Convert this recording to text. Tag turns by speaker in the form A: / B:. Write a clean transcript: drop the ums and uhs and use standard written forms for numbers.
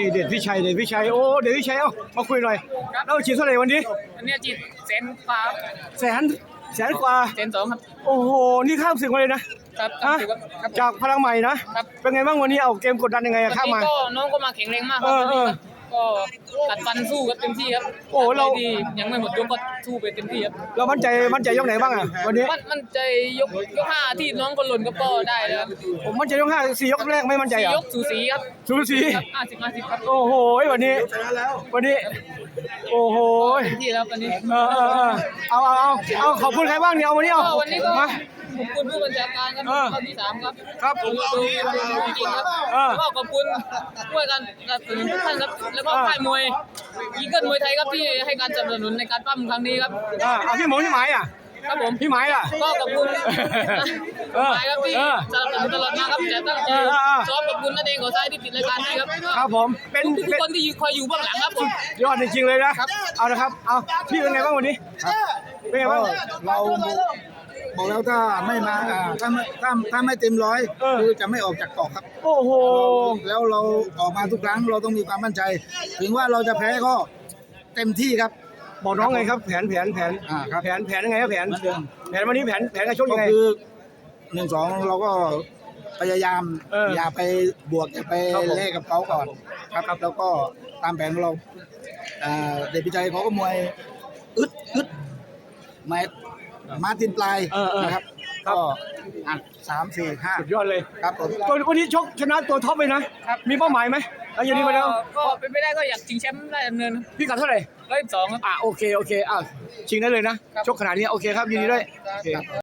A: เด็ดพี่ชัยโอ้เด็ดพี่ชัยเอ้ามาคุยหน่อยแล้วฉีดเท่าไหร่วันนี้
B: อันนี้จีดแสนกว่า
A: แสนกว่า
B: แสนสองครับ
A: โอ้โหนี่ข้ามศึกมาเลยนะครับ ฮะ
B: ครับ
A: จากพลังใหม่นะครับ เป็นไงบ้างวันนี้เอาเกมกดดันยังไงอะข้ามมา
B: ก็น้องก็มาแข็งแรงมากค
A: เอ
B: รับ
A: อ
B: ก็กัดฟันสู้กันเต็มที่ครับ
A: โอ้เรา
B: ที่ยังไม่หมดยกก็สู้ไปเต็มที่ครับ
A: เรามั่นใจยกไหนบ้างอะวันนี้
B: มันใจยกห้าที่น้องคนหล่นก็ได้แล้วครับ
A: ผมมั่นใจยก4 ยกแรกไม่มั่นใจเหร
B: สี่
A: อย
B: กสูสีครับ
A: สูสี
B: ครับ50ครับ
A: โอ้โหวันนี้โอ้โห
B: เต็มที่แล้ววันนี้
A: เอาขอบคุณใครบ้างเนี่ยเอาวันนี้เอา
B: ก็วันนี้ก็
A: มา
B: ขอบคุณผู้บัญชาการครับ
A: เออ
B: ข้อที่3ครับ
A: ครับ
B: ดูจริงๆครับ
A: เออ
B: ก็ขอบคุณด้วยกันกับทุกท่านครับแล้วก็ค่ายมวยอีเกิลมวยไทยครับที่ให้การสนับสนุนในการปั้มครั้งนี้ครับ
A: เอาพี่หมพี่หมายอ่ะ
B: ครับผม
A: พี่หมายล่ะ
B: ก็ขอบคุณ
A: เออ
B: หมายครับที่
A: เออ
B: สนับสนุนตลอดมาครับจะตั้งใจ ซ้อมขอบคุณนั่นเองขอซ้ายที่ติดรายการให้ครับ
A: ครับผมเป็น
B: ทุกคนที่คอยอยู่เบื้องหลังครับผม
A: ยอดจริงๆเลยนะครับ เอาละครับเอาพี่เป็นไงบ้างวันนี้เป็นไงบ้าง
C: เราบอกแล้วถ้าไม่มาถ้าไม่เต็มร้อย
A: เออ
C: คือจะไม่ออกจากเกาะครับ
A: โอ้โห
C: แล้วเราออกมาทุกครั้งเราต้องมีความมั่นใจ ถึงว่าเราจะแพ้ก็เต็มที่ครับ
A: บอกน้องไงครับแผน
C: ครับ
A: แผนยังไงครับแผนวันนี้แผนการชก
C: ก็
A: ยังไง
C: คือ1-2เราก็พยายาม อย่าไปบวกอย่าไป
A: ครับผม
C: เล่กับเขาก่อนครับแล้วก็ตามแผนของเราเดชพิชัยเขาก็มวยอึดมาตินปลายนะครับก็3 4 5
A: สุดยอดเลย
C: ครับผม
A: วันนี้ชกชนะตัวท็อปเลยนะ มีเป้าหมายไหมแล้วอย่างนี้มาแล้ว
B: ก็เป็นไปได้ก็อยากชิงแชมป์ได้ดำเนิน
A: พี่กัดเท่าไหร่
B: 112ครับ
A: โอเคชิงได้เลยนะ ชกขนาดนี้โอเคครับยินดีด้วยโอเค